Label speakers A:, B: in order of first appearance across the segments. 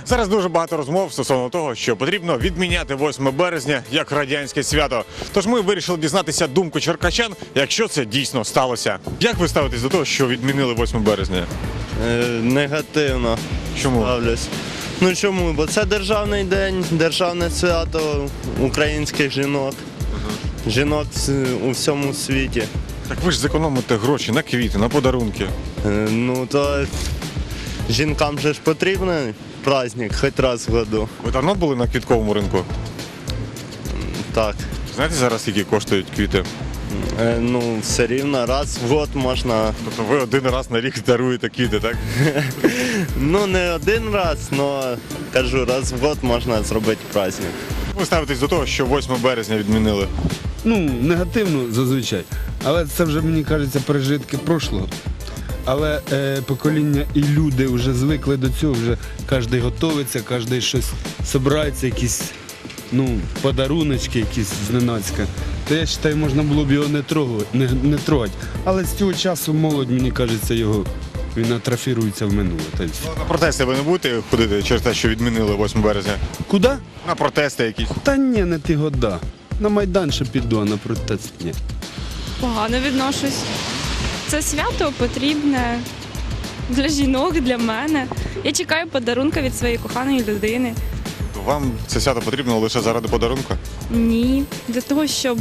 A: Зараз дуже багато розмов стосовно того, що потрібно відміняти 8 березня як радянське свято. Тож ми вирішили дізнатися думку черкащан, якщо це дійсно сталося. Як ви ставитесь до того, що відмінили 8 березня?
B: Негативно
A: Чому?
B: ставлюсь. Ну чому? Бо це державний день, державне свято українських жінок. Жінок у всьому світі.
A: Так ви ж зекономите гроші на квіти, на подарунки.
B: Ну то жінкам же ж потрібен праздник хоч раз в году.
A: Ви давно були на квітковому ринку?
B: Так.
A: Знаєте зараз, скільки коштують квіти?
B: Ну, все рівно раз в год можна.
A: Тобто ви один раз на рік даруєте квіти, так?
B: Ну не один раз, але кажу, раз в год можна зробити праздник.
A: Ви ставитесь до того, що 8 березня відмінили?
C: Ну, негативно зазвичай. Але це вже, мені кажеться, пережитки прошлого. Але покоління і люди вже звикли до цього, вже кожен готується, кожен щось збирається, якісь подаруночки якісь зненацька. То я вважаю, можна було б його не трогати. Але з цього часу молодь, мені кажеться, він атрофірується в минуле. Та й все.
A: На протести ви не будете ходити через те, що відмінили 8 березня?
C: Куди?
A: На протести якісь?
C: Та ні, не ті года. На Майдан ще піду, а на протест ні.
D: Погано відношусь. Це свято потрібне для жінок, для мене. Я чекаю подарунка від своєї коханої людини.
A: Вам це свято потрібно лише заради подарунку?
D: Ні, для того, щоб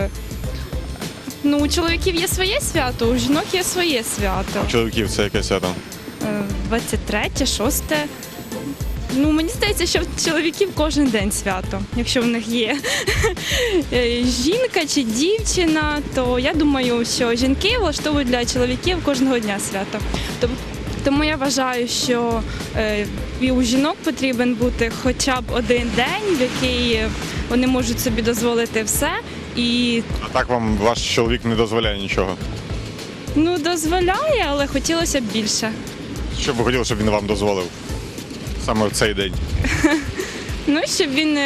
D: у чоловіків є своє свято, у жінок є своє свято.
A: У чоловіків це яке свято?
D: 23, 6. Мені здається, що в чоловіків кожен день свято. Якщо в них є жінка чи дівчина, то я думаю, що жінки влаштовують для чоловіків кожного дня свято. Тому я вважаю, що і у жінок потрібен бути хоча б один день, в який вони можуть собі дозволити все.
A: А так вам ваш чоловік не дозволяє нічого?
D: Дозволяє, але хотілося б більше.
A: Що б ви хотіли, щоб він вам дозволив? Саме в цей день?
D: Щоб він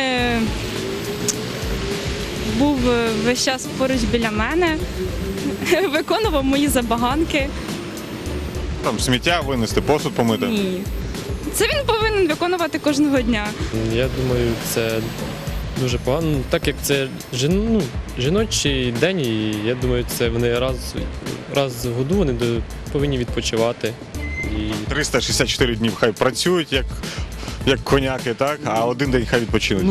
D: був весь час поруч біля мене, виконував мої забаганки.
A: Там сміття винести, посуд помити?
D: Ні. Це він повинен виконувати кожного дня.
E: Я думаю, це дуже погано. Так як це жіночий день, і я думаю, це вони раз в году вони повинні відпочивати.
A: 364 дні хай працюють, як коняки, так? А один день хай відпочинуть.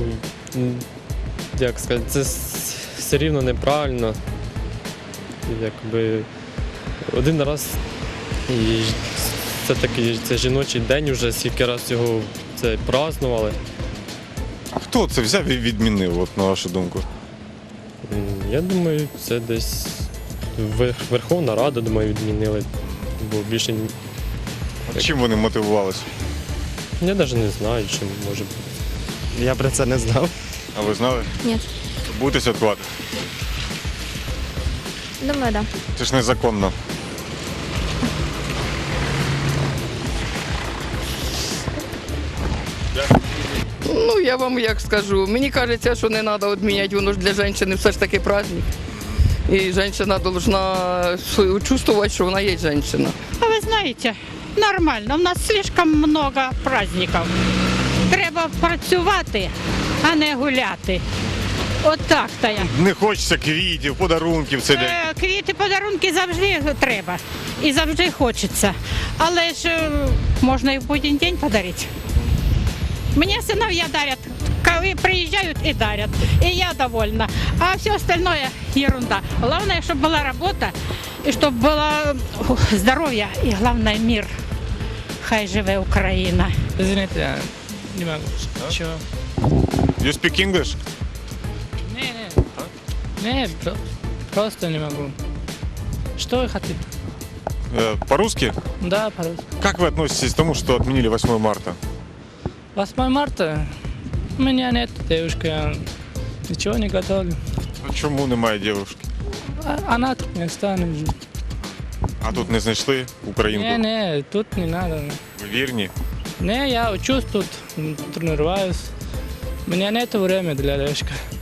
E: Як сказати, це все рівно неправильно. Якби один раз і це такий це жіночий день, вже скільки раз його це празднували.
A: А хто це взяв і відмінив, от, на вашу думку?
E: Я думаю, це десь Верховна Рада, думаю, відмінили. Бо більше
A: Чим вони мотивувалися?
E: я навіть не знаю, чим може бути.
B: Я про це не знав.
A: А ви знали?
F: Ні.
A: Будете святкувати?
F: Думаю, да.
A: Це ж незаконно.
G: Я вам як скажу, мені кажеться, що не треба відміняти, воно ж для жінки все ж таки праздник. І жінка повинна чувствувати, що вона є жінка.
H: А ви знаєте, нормально, у нас слишком много праздників. Треба працювати, а не гуляти. От так-то я.
A: Не хочеться квітів, подарунків в цей день.
H: Квіти, подарунки завжди треба і завжди хочеться. Але ж можна і в будь-який день подарити. Мені синов'я дарять, коли приїжджають і дарять. І я довольна. А все остальное ерунда. Главное, чтобы была работа, и чтобы было здоровье, и главное мир. Хай живе Україна.
I: Извините, я не могу. Чего?
A: You speak English?
I: Не, просто не могу. Что вы хотите?
A: По-русски?
I: Да, пожалуйста.
A: Как вы относитесь к тому, что отменили 8 марта?
I: 8 марта у меня нет девушки, я ничего не готовлю.
A: А чому немає дівчинки?
I: Она тут не станет.
A: А тут не знайшли українку?
I: Не, тут не надо.
A: Ви вірні?
I: Не, я учусь тут, тренируюсь. У меня нет времени для девушки.